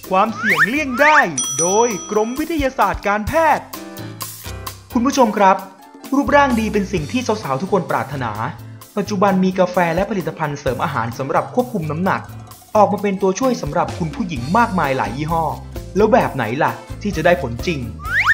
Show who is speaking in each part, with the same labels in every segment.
Speaker 1: ความเสี่ยงเลี่ยงได้โดยกรมวิทยาศาสตร์การแพทย์คุณผู้ชมครับรูปร่างดีเป็นสิ่งที่สาวๆทุกคนปรารถนาปัจจุบันมีกาแฟและผลิตภัณฑ์เสริมอาหารสำหรับควบคุมน้ำหนักออกมาเป็นตัวช่วยสำหรับคุณผู้หญิงมากมายหลายยี่ห้อแล้วแบบไหนล่ะที่จะได้ผลจริง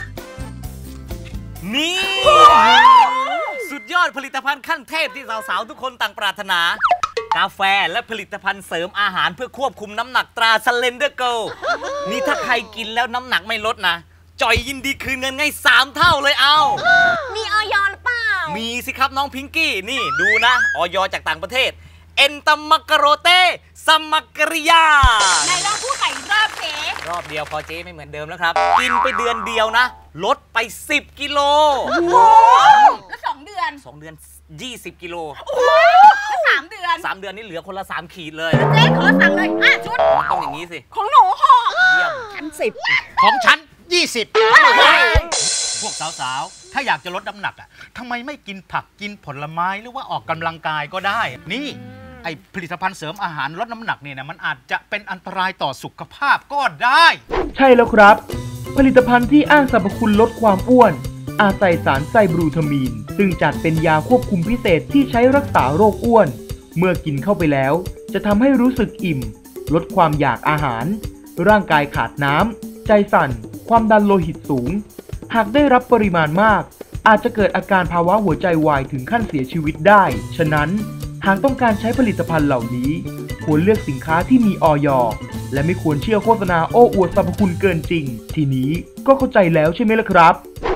Speaker 2: นี่สุดยอดผลิตภัณฑ์ขั้นเทพที่สาวๆทุกคนต่างปรารถนากาแฟและผลิตภัณฑ์เสริมอาหารเพื่อควบคุมน้ำหนักตราสเลนเดอร์เกิลนี่ถ้าใครกินแล้วน้ำหนักไม่ลดนะจอยยินดีคืนเงินให้3 เท่าเลยเอา
Speaker 3: มีออยหรือเปล่า
Speaker 2: มีสิครับน้องพิงกี้นี่ดูนะออยจากต่างประเทศเอนตมักกะโรเตสมักกริยา
Speaker 3: ไหนลองพูดใหม่รอบเจ๊
Speaker 2: รอบเดียวพอเจ๊ไม่เหมือนเดิมแล้วครับกินไปเดือนเดียวนะลดไป10 กิโล
Speaker 3: แล้ว2 เดือน
Speaker 2: 20 กิโล
Speaker 3: แล้ว3 เดือน
Speaker 2: 3 เดือนนี่เหลือคนละ3 ขีดเลย
Speaker 3: เจ๊ขอสั่งเลยชุด
Speaker 2: ต้องอย่างนี้สิ
Speaker 3: ของหนูห่อ
Speaker 2: เยี่ยม
Speaker 3: ชั้น10
Speaker 4: ของฉัน20พวกสาวๆถ้าอยากจะลดน้ำหนักอ่ะทำไมไม่กินผักกินผลไม้หรือว่าออกกำลังกายก็ได้นี่ไอผลิตภัณฑ์เสริมอาหารลดน้ำหนักเนี่ยนะมันอาจจะเป็นอันตรายต่อสุขภาพก็ได้
Speaker 1: ใช่แล้วครับผลิตภัณฑ์ที่อ้างสรรพคุณลดความอ้วนอาศัยสารไซบรูทามีนซึ่งจัดเป็นยาควบคุมพิเศษที่ใช้รักษาโรคอ้วนเมื่อกินเข้าไปแล้วจะทำให้รู้สึกอิ่มลดความอยากอาหารร่างกายขาดน้ำใจสั่นความดันโลหิตสูงหากได้รับปริมาณมากอาจจะเกิดอาการภาวะหัวใจวายถึงขั้นเสียชีวิตได้ฉะนั้นหากต้องการใช้ผลิตภัณฑ์เหล่านี้ควรเลือกสินค้าที่มีอย.และไม่ควรเชื่อโฆษณาโอ้อวดสรรพคุณเกินจริงทีนี้ก็เข้าใจแล้วใช่ไหมล่ะครับ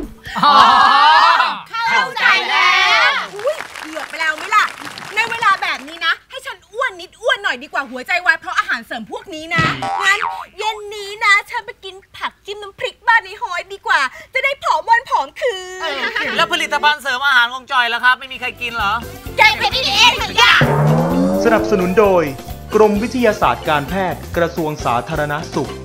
Speaker 3: เข้าใจแล้วเกือบไปแล้วไหมล่ะในเวลาแบบนี้นะให้ฉันอ้วนนิดอ้วนหน่อยดีกว่าหัวใจวายเพราะอาหารเสริมพวกนี้นะงั้นเย็นนี้นะฉันไปกินผักจิ้มน้ำพริกบ้านในหอยดีกว่าจะได้ผอมวันผอมคืน
Speaker 2: แล้วผลิตภัณฑ์เสริมอาหารของจอยล่ะครับไม่มีใครกินเหรอ
Speaker 3: ใจเป็นเองค่ะ
Speaker 1: สนับสนุนโดยกรมวิทยาศาสตร์การแพทย์กระทรวงสาธารณสุข